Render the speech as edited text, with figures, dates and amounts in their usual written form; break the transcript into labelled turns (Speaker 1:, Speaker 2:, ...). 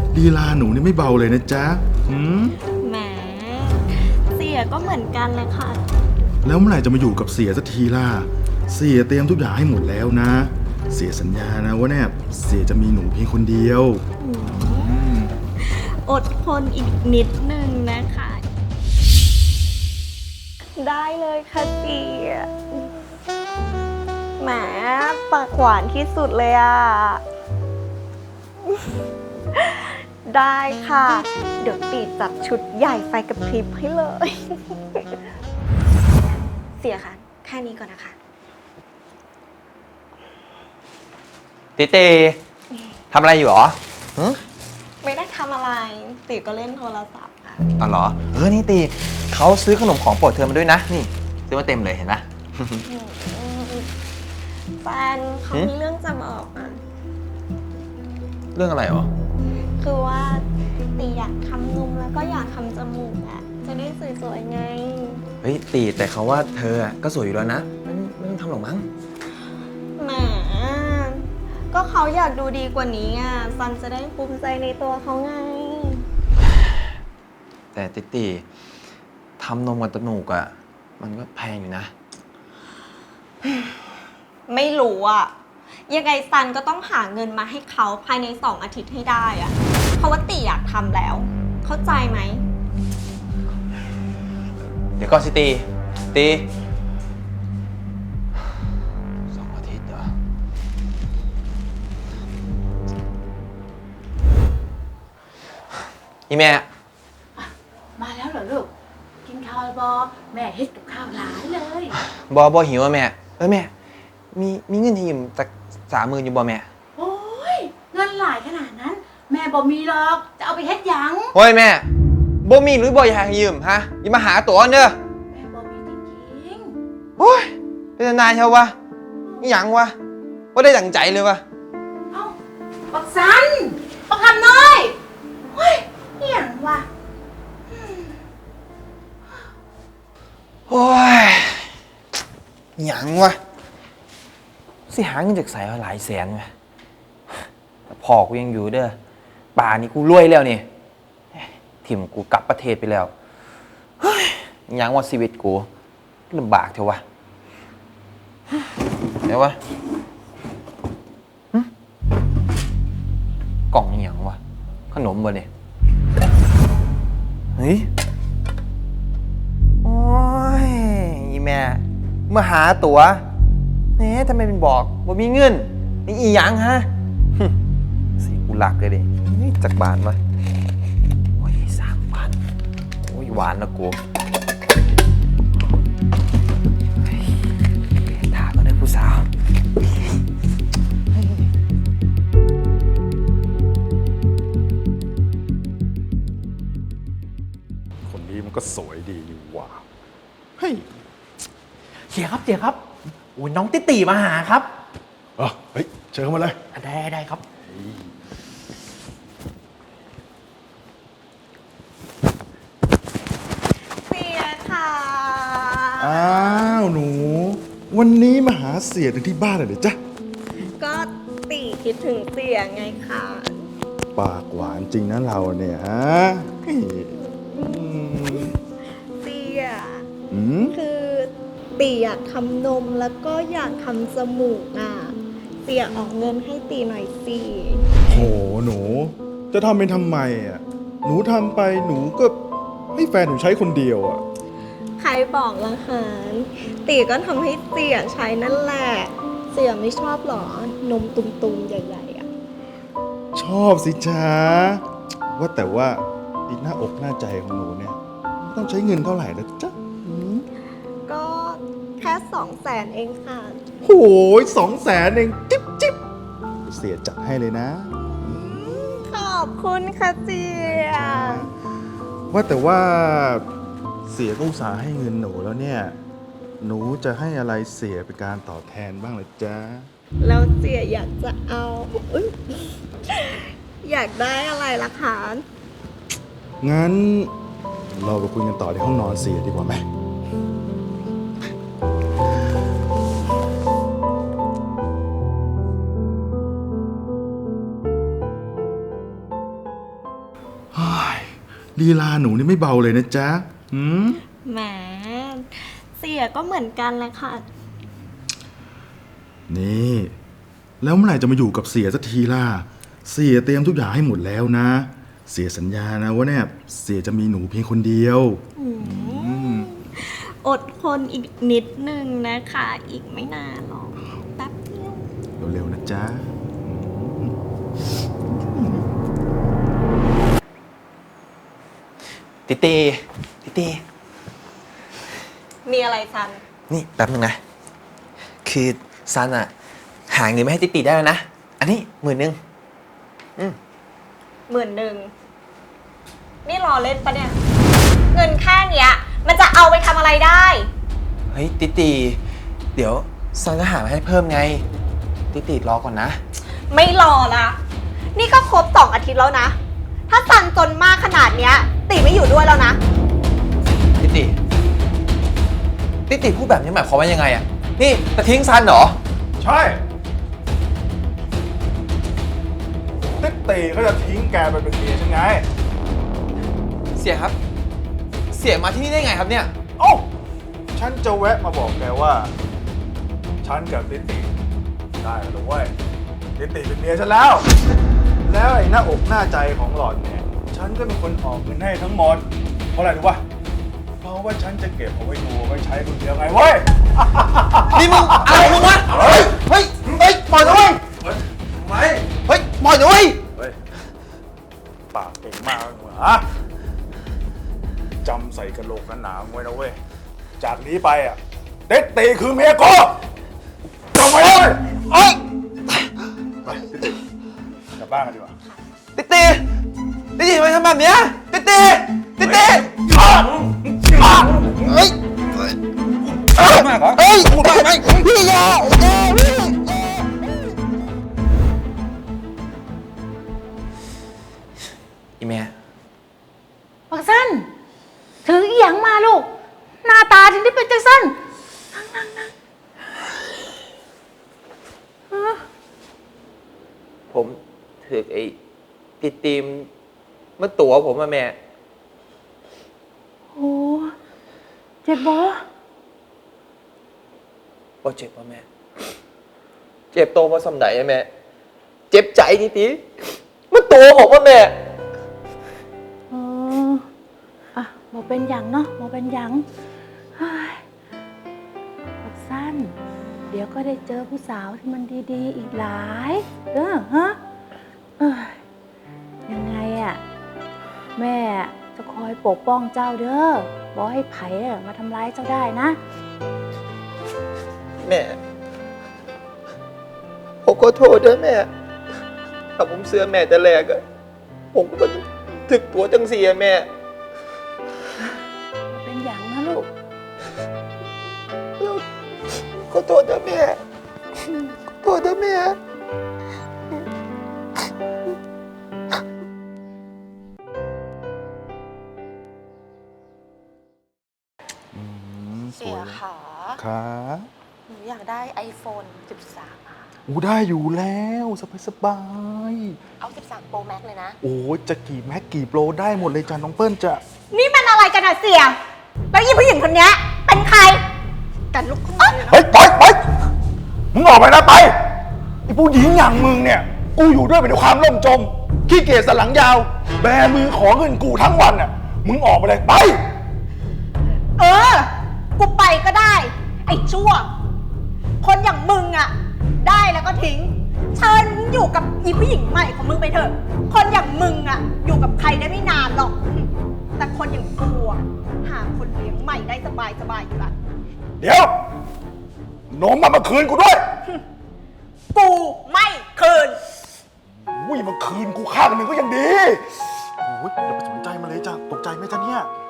Speaker 1: ลีลาหนูนี่ไม่เบาเลยนะจ๊ะ
Speaker 2: แหมเสียก็เหมือนกันเลยค่ะ
Speaker 1: แล้วเมื่อไหร่จะมาอยู่กับเสียสักทีล่ะเสียเตรียมทุกอย่างให้หมดแล้วนะเสียสัญญานะว่าเนี่ยเสียจะมีหนูเพียงคนเดียว
Speaker 2: อดทนอีกนิดนึงนะคะ ได้เลยค่ะเสียแหมปากหวานที่สุดเลยอ่ะ ได้ค่ะ เดี๋ยวตีจัดชุดใหญ่ไฟกระพริบให้เลย เสียค่ะ แค่นี้ก่อนนะคะ
Speaker 3: ติเต้ทำอะไรอยู่หรอ
Speaker 2: ไม่ได้ทำอะไรตีก็เล่นโทรศัพท์ค่ะ
Speaker 3: อ๋อเหรอนี่ตีเขาซื้อขนมของโปรดเธอมาด้วยนะนี่ซื้อมาเต็มเลยเห็นไหม
Speaker 2: แฟนเขามีเรื่องจะบอกอ่ะ
Speaker 3: เรื่องอะไรหรอ
Speaker 2: คือว่าตีอยากทำนมแล้วก็อยากทำจมูกอ่ะ จะได้สวยๆไง
Speaker 3: เฮ้ยตีแต่เขาว่าเธอก็สวยอยู่แล้วนะไม่ต้องทำหรอกมั้ง
Speaker 2: แหมก็เขาอยากดูดีกว่านี้อ่ะซันจะได้ภูมิใจในตัวเขาไง
Speaker 3: แต่ติทำนมกับจมูกอ่ะมันก็แพงอยู่นะ
Speaker 2: ไม่รู้อ่ะ ยังไงซันก็ต้องหาเงินมาให้เขาภายใน2 อาทิตย์ให้ได้อ่ะ เพราะว่าตีอยากทำแล้ว เข้าใจไหม
Speaker 3: เดี๋ยวก็สิตี2 อาทิตย์เหรอนี่แม่
Speaker 4: มาแล้วเหรอลูก กินข้าวบอแม่เฮ็ดกับข้าวหลายเลย
Speaker 3: บอหิวอ่ะแม่แม่มีเงินให้ยืมจาก30,000อยู่บ่แม่
Speaker 4: โอ้ยเงินหลายขนาดนั้น แม่บ่มีหรอก จะเอาไปเฮ็ดหยัง
Speaker 3: โอ้ยแม่บ่มีหรือบ่อยากให้ยืมฮะอย่ามาหาตัวเด้อ
Speaker 4: แม่บ่มีจริง
Speaker 3: โอ้ยเป็นนายเชียววะนี่หยังวะว่าได้ดั่งใจเลยวะ
Speaker 4: ๆเอ้าปักสันปักคำน้อยเฮ้ยนี่หยังวะ
Speaker 3: โอ้ยหยังวะสิหาเงินจากใส่หลายแสนไงแต่พ่อกูยังอยู่เด้อป่านี่กูรวยแล้วนี่ถิ่มกูกลับประเทศไปแล้วเฮ้ยหยังว่าชีวิตกูลำบากเถอะวะเดี๋ยววะหึกล่องหยังวะขนมบ่เนี่ยเฮ้ยโอ้ยอีแม่มาหาตั๋วทำไมเป็นบอกว่ามีเงินนี่อีหยังฮะสิกูหลักเลยดิจากบาทมาโอ้ย3,000โอ้ยหวานนะกูถ่าก็ได้ผู้สาว
Speaker 1: คนนี้มันก็สวยดีอยู่ว่ะเฮ้ย
Speaker 5: เสียครับโอ้ยน้องติมาหาครับ
Speaker 1: เฮ้ยเชิญเข้ามาเลย
Speaker 5: ได้ครับ
Speaker 2: เสียค่ะ
Speaker 1: อ้าวหนู วันนี้มาหาเสียถึงที่บ้านเลยเหรอจ๊ะ
Speaker 2: ก็ตีคิดถึงเสียไงค่ะ
Speaker 1: ปากหวานจริงนะเราเนี่ยฮะเฮ้ยม
Speaker 2: เสีย
Speaker 1: อืม
Speaker 2: คือตีอยากทำนมแล้วก็อยากทำจมูกอ่ะเสียออกเงินให้ตีหน่อยสิ
Speaker 1: โหหนู จะทำเป็นทำไมอ่ะหนูทำไปหนูก็ให้แฟนหนูใช้คนเดียวอ่ะ
Speaker 2: ใครบอกละคะตีก็ทำให้เสียใช้นั่นแหละ เสียไม่ชอบหรอนมตุ่มๆใหญ่ๆอ่ะ
Speaker 1: ชอบสิจ๊ะว่าแต่ว่าอีกหน้าอกหน้าใจของหนูเนี่ยต้องใช้เงินเท่าไหร่นะจ๊ะอืม
Speaker 2: ก็แค่ 200,000 เองค่ะ
Speaker 1: โหย200,000เองจิ๊บจิ๊บเสียจัดให้เลยนะ
Speaker 2: ขอบคุณค่ะเสีย
Speaker 1: ว่าแต่ว่าเสียก็อุตส่าห์ให้เงินหนูแล้วเนี่ย หนูจะให้อะไรเสียเป็นการตอบแทนบ้างล่ะจ๊ะ
Speaker 2: แล้วเสียอยากจะเอาอุ๊ยอยากได้อะไรล่ะคะ
Speaker 1: งั้นเราไปคุยกันต่อที่ห้องนอนเสียดีกว่าไหมฮ้ยลีลาหนูนี่ไม่เบาเลยนะจ๊ะหืม
Speaker 2: แหม เสียก็เหมือนกันแหละค่ะ
Speaker 1: นี่ แล้วเมื่อไหร่จะมาอยู่กับเสียสักทีล่ะ เสียเตรียมทุกอย่างให้หมดแล้วนะ เสียสัญญานะว่าเนี่ยเสียจะมีหนูเพียงคนเดียว
Speaker 2: อดทนอีกนิดนึงนะคะ อีกไม่นานหรอกแป๊บเดียว
Speaker 1: เร็วๆนะจ๊ะ
Speaker 3: ติตีติตี
Speaker 2: มีอะไรซัน
Speaker 3: นี่แป๊บนึงนะ คือซันอะหาเงินไม่ให้ติตีได้แล้วนะ อันนี้10,000
Speaker 2: 10,000 นี่รอเล่นปะเนี่ย เงินแค่เนี้ย มันจะเอาไปทำอะไรได้
Speaker 3: เฮ้ยติตีเดี๋ยวซันก็หามาให้เพิ่มไง ติตีรอก่อนนะ
Speaker 2: ไม่รอละ นี่ก็ครบ2 อาทิตย์แล้วนะ ถ้าซันจนมากขนาดเนี้ย ติไม่อยู่ด้วยแล้วนะ
Speaker 3: ติตีพูดแบบนี้หมายความว่ายังไงอะนี่จะทิ้งซันเหรอ
Speaker 1: ใช่ติ๊กตีเขาจะทิ้งแกไปเป็นเมียใช่ไง
Speaker 3: เสียครับ เสียมาที่นี่ได้ไงครับเนี่ย
Speaker 1: โอ้าฉันจะแวะมาบอกแกว่า ฉันกับติ๊กตีได้แล้วเว้ยติ๊กตีเป็นเมียฉันแล้ว แล้วไอ้หน้าอกหน้าใจของหล่อนเนี่ย ฉันก็เป็นคนออกเงินให้ทั้งหมด เพราะอะไรรู้ป่ะ เพราะว่าฉันจะเก็บเอาไว้ดูเอาไว้ใช้คนเดียวไงเว้ย
Speaker 3: นี่มึงอะไรของมึงวะ
Speaker 1: เฮ้ย
Speaker 3: เฮ้ยปล่อยนะเว้ย
Speaker 1: ทำไม
Speaker 3: เฮ้ยปล่อยนะเว้ย
Speaker 1: เฮ้ย ปากเก่งมากเลยฮะจำใส่กระโหลกหนาๆไว้นะเว้ย จากนี้ไปอ่ะ เต็ดตีคือเมียกูจำไว้เลย
Speaker 3: เอ้ย
Speaker 1: ไปกลับบ้านกันดีกว่า
Speaker 3: ติตีทำไมทำแบบเนี้ยติตีเฮ้ยมากเหรอเฮ้ยพูดมากไหมพี่ยาอีแม่
Speaker 4: บักสั้นถืออีหยังมาลูก หน้าตาถึงได้เป็นจังสั้นนั่ง
Speaker 3: ผมถือไอ้ตีมเมื่อตัวผมมาแม่
Speaker 4: โอ้เจ็บบ่
Speaker 3: บ่เจ็บป่ะแม่ เจ็บโตมาสำไหนอะแม่ เจ็บใจตีเมื่อตัวผมว่าแม่
Speaker 4: เอออ่ะบ่เป็นหยังเนาะบ่เป็นหยังเฮ้ยบักสั้น เดี๋ยวก็ได้เจอผู้สาวที่มันดีๆอีกหลายฮะเอ้ยยังไงอะแม่จะคอยปกป้องเจ้าเด้อบ่ให้ไผอะมาทำร้ายเจ้าได้นะ
Speaker 3: แม่ ผมขอโทษด้วยแม่ ถ้าผมเสื้อแม่แต่แรกอะผมก็ถึกตัวจังเสียแม่
Speaker 4: เป็นอย่างนะลูก
Speaker 3: ขอโทษนะแม่ ขอโทษนะแม่
Speaker 6: เสียขา
Speaker 1: ค่ะ
Speaker 6: หนูอยากได้ iPhone 13ค่ะ
Speaker 1: อู้ได้อยู่แล้วสบาย
Speaker 6: เอา 13 Pro Max เลยนะ
Speaker 1: ๆโอ้จะกี่แม็กกี่โปรได้หมดเลยจ้ะน้องเปิ้ลจะ
Speaker 2: นี่มันอะไรกันอะเสีย แล้วยี่ผู้หญิงคนเนี้ยเป็นใคร กันลุกขึ้นมาเลยนะ
Speaker 1: เฮ้ยไปมึงออกไปนะไปไอ้ผู้หญิงอย่างมึงเนี่ย กูอยู่ด้วยเป็นความล่มจมขี้เกียจสันหลังยาว แบมือขอเงินกูทั้งวันน่ะมึงออกไปเลยไป
Speaker 2: เออ กูไปก็ได้ ไอ้ชั่ว คนอย่างมึงอะได้แล้วก็ทิ้ง เชิญมึงอยู่กับอีผู้หญิงใหม่ของมึงไปเถอะ คนอย่างมึงอะอยู่กับใครได้ไม่นานหรอก แต่คนอย่างกูอะหาคนเลี้ยงใหม่ได้สบายอยู่ละ
Speaker 1: เดี๋ยวโน้มมาคืนกูด้วย
Speaker 2: กูไม่คืน
Speaker 1: อุ้ยมาคืนกูข้างหนึ่งก็ยังดีโอ้ยอย่าไปสนใจมันเลยจ้ะตกใจไหมจ๊ะเนี่ย